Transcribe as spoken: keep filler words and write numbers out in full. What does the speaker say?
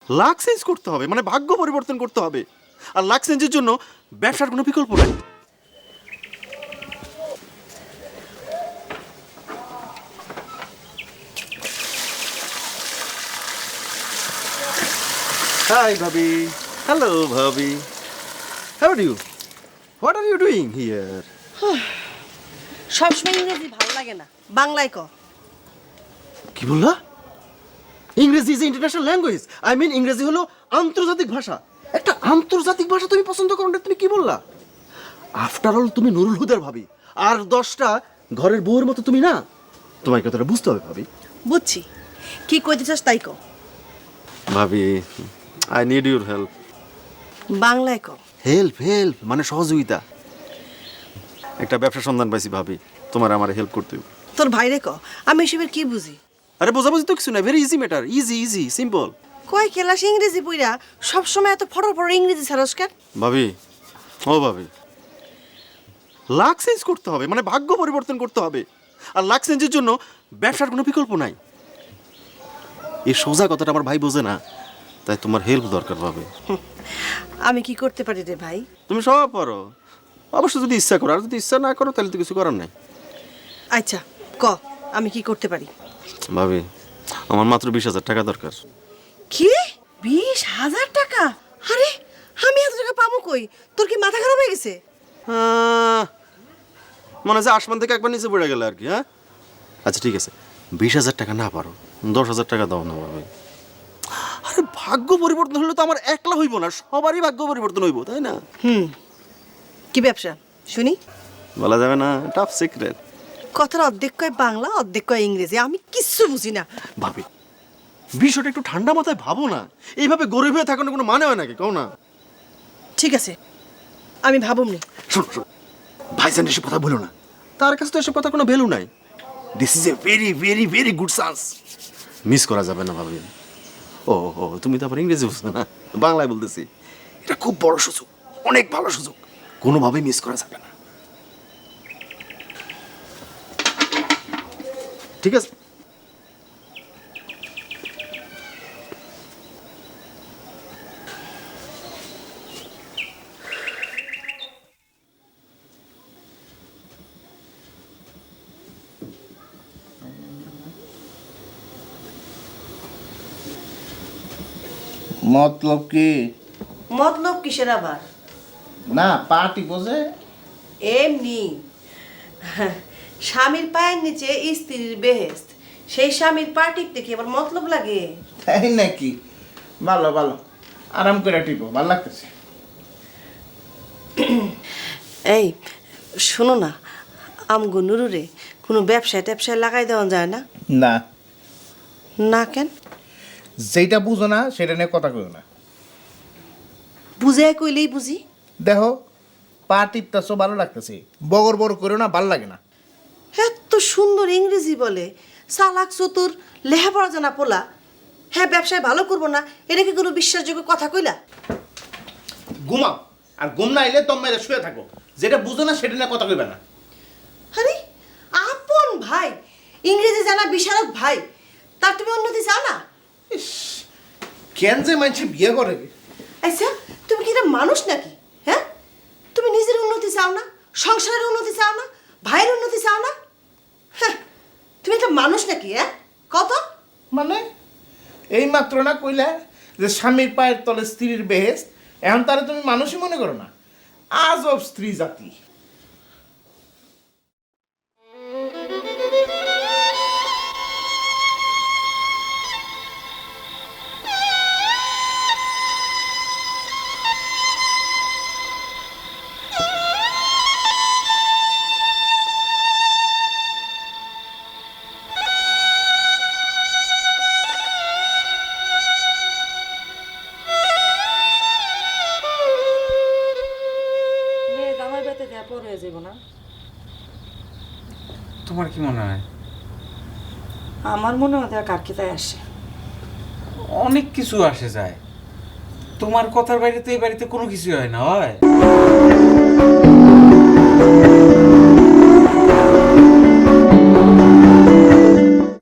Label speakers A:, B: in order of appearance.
A: Lakh change করতে হবে, মানে ভাগ্য পরিবর্তন করতে হবে। আর লাক চেঞ্জের জন্য ব্যবসার কোনো বিকল্প নাই। হাই ভাবি। হ্যালো ভাবি। How are you? What are you doing here?
B: সবসময় ইংরেজি ভালো লাগে না, বাংলায় ক।
A: কি বললা? ইংরেজি is international language. I mean ইংরেজি হলো আন্তর্জাতিক ভাষা। একটা আন্তর্জাতিক ভাষা তুমি পছন্দ করো না? তুমি কি বললা? আফটার অল তুমি নুরুল হুদার ভাবি, আর দশটা ঘরের বউয়ের মতো তুমি না। তোমার কথাটা বুঝতে হবে ভাবি।
B: বুঝছি, কি কইতে চাস তাই ক।
A: ভাবি, আই নিড ইউর হেল্প।
B: বাংলায় ক।
A: হেল্প হেল্প মানে সহযোগিতা। একটা ব্যবসা সন্ধান পাইছি ভাবি, তোমার আমার হেল্প করতে হবে।
B: তোর ভাইরে ক, আমি এসবের কি বুঝি?
A: আরে বোঝাবুঝি তো কিছু না, very easy matter, easy easy simple.
B: কয় ক্লাস ইংরেজি পড়া সবসময় এত ফটর ফটর ইংরেজি ছাড়সকার?
A: ভাবি, ও ভাবি, লাক চেঞ্জ করতে হবে, মানে ভাগ্য পরিবর্তন করতে হবে। আর লাক চেঞ্জের জন্য ব্যবসার কোনো বিকল্প নাই। এই সোজা কথাটা আমার ভাই বোঝে না, তাই তোমার হেল্প দরকার ভাবি।
B: আমি কি করতে পারি রে ভাই?
A: তুমি সব পারো, অবশ্য যদি ইচ্ছা করো। আর যদি ইচ্ছা না করো তাহলে তো কিছু করার নাই।
B: আচ্ছা ক, আমি কি করতে পারি?
A: ভাবি, আমার মাত্র বিশ হাজার টাকা দরকার।
B: কি বিশ হাজার টাকা? আরে আমি এত টাকা পাবো কই? তোর কি মাথা খারাপ হয়ে গেছে?
A: আহ, মনে হচ্ছে আসমান থেকে একবার নিচে পড়ে গেলে আর কি। হ্যাঁ আচ্ছা ঠিক আছে, বিশ হাজার টাকা না পারো, দশ হাজার টাকা দাও না ভাবি। আরে ভাগ্য পরিবর্তন হলে তো আমার একলা হইব না, সবারই ভাগ্য পরিবর্তন হইব, তাই না?
B: হুম, কি ব্যবসা শুনি?
A: বলা যাবে না, টপ সিক্রেট।
B: কথার অর্ধেক কয় বাংলা, অর্ধেক কয় ইংরেজি, আমি কিচ্ছু বুঝি না।
A: ভাবি, বিষয়টা একটু ঠান্ডা মাথায় ভাবো না। এইভাবে গরিব হয়ে থাকার কোনো মানে হয় নাকি, কও না?
B: ঠিক আছে, আমি ভাবুমনি।
A: শোনো শোনো, ভাইজান এসব কথা বলো না, তার কাছে তো এসব কথা কোনো ভ্যালু নাই। This is a very very very good chance, miss করা যাবে না ভাবি। ও ও তুমি তো আবার ইংরেজি বুঝছো না, বাংলায় বলতেছি। এটা খুব বড় সুযোগ, অনেক ভালো সুযোগ, কোনোভাবেই মিস করা যাবে না। ঠিক আছে,
C: মতলব কি?
B: মতলব কিসের আবার?
C: না পার্টি বোঝে।
B: এমনি স্বামীর পায়ের নিচে স্ত্রীর বেহেস্ত, সেই স্বামীর পা টিপতে কি আবার মতলব লাগে?
C: তাই নাকি? ভালো ভালো, আরাম করে টিপো, ভালো লাগতেছে।
B: এই শোনো না, আমগো নুরুরে কোনো ব্যবসায় ট্যাবসায় লাগাই দেওয়া যায় না?
C: না,
B: না কেন?
C: যেটা বুঝো না সেটা নিয়ে কথা কইও না।
B: বুঝে কইলেই বুঝি।
C: দেখো পা টিপতেছো, ভালো লাগতেছে, বগর বড় করো না, ভালো লাগে না।
B: এত সুন্দর ইংরেজি বলে, চালাক চতুর, লেখাপড়া জানা পোলা, হ্যাঁ ব্যবসায় ভালো করবো না, এটা কি কোনো বিশ্বাসযোগ্য কথা কইলা?
C: ঘুমাও, আর ঘুম না এলে তোমরা শুয়ে থাকো। যেটা বুঝো না সেটা নিয়ে কথা কইবে না।
B: আরে আপন ভাই, ইংরেজি জানা বিশারদ ভাই, তার তুমি উন্নতি চাও না?
C: ইস, কেন যে মানুষ বিয়ে করে?
B: আচ্ছা তুমি কি এটা মানুষ নাকি? হ্যাঁ, তুমি নিজের উন্নতি চাও না, সংসারের উন্নতি চাও না, ভাইয়ের উন্নতি চাও না? হ্যাঁ, তুমি একটা মানুষ নাকি? হ্যাঁ কত
C: মানে এই মাত্র না কইলা যে স্বামীর পায়ের তলে স্ত্রীর বেহেস্ত, এখন তারা তুমি মানুষই মনে করো না? আজব স্ত্রী জাতি।
D: আমার বেতে দেয়া পর হয়ে যাব না?
E: তোমার কি মনে হয়?
D: আমার মনে হয় দেয়া কার কিতায় আসে।
E: অনেক কিছু আসে যায়, তোমার কথার বাইরে তো এই বাড়িতে কোনো কিছুই হয় না। হয়